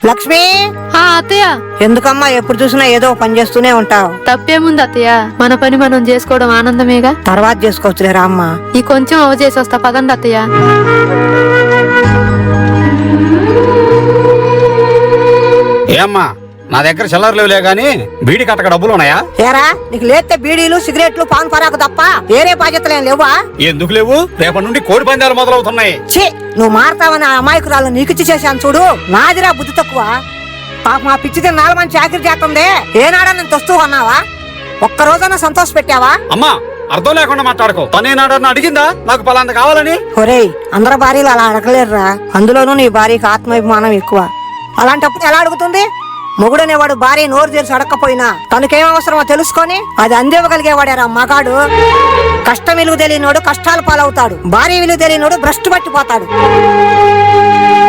లక్ష్మి, అత్తయ్య. ఎందుకమ్మా ఎప్పుడు చూసినా ఏదో పని చేస్తూనే ఉంటావు? తప్పేముంది అత్తయ్య, మన పని మనం చేసుకోవడం ఆనందమేగా. తర్వాత చేసుకోవచ్చులేరా అమ్మా. ఈ కొంచెం అవ చేసి వస్తా, పదండి అత్తయ్య. ఏమ్మా, నా దగ్గర చిల్లర లేవులే గాని బీడి కట్టక డబ్బులు ఉన్నాయా? ఏరా, నీకు లేతే బీడీలు సిగరెట్లు పాన్ పరాకు తప్ప వేరే బాధ్యతలేం లేవా? ఎందుకు లేవు? రేపటి నుండి కోడి పందాలు మొదలవుతున్నాయి. ఛీ, నువ్వు మారతావని ఆ అమాయకురాలు నీకిచ్చి చేశాను చూడు. నాదిరా బుద్ధి తక్కువ. పాప మా పిచ్చితే 4 మంది చాకరీ చేస్తుంది. ఏనాడా నేను తొస్తూ అన్నావా? ఒక్క రోజైనా సంతోష పెట్టావా? అమ్మా, అర్థం లేకుండా మాట్లాడుకో. తనేనాడని అడిగిందా నాకు పలాంత కావాలని? ఒరేయ్, అందరి భార్యలు అలా అడగలేరురా. అందులోనూ నీ భార్యకి ఆత్మాభిమానం ఎక్కువ. అలాంటప్పుడు ఎలా అడుగుతుంది? మొగుడనేవాడు భార్య నోరు తెరిచి అడగకపోయినా తనకేం అవసరమో తెలుసుకొని అది అందివ్వగలిగేవాడారా మగాడు. కష్టం విలువ తెలియనోడు కష్టాలు పాలవుతాడు. భార్య విలువ తెలియనోడు భ్రష్టు పట్టిపోతాడు.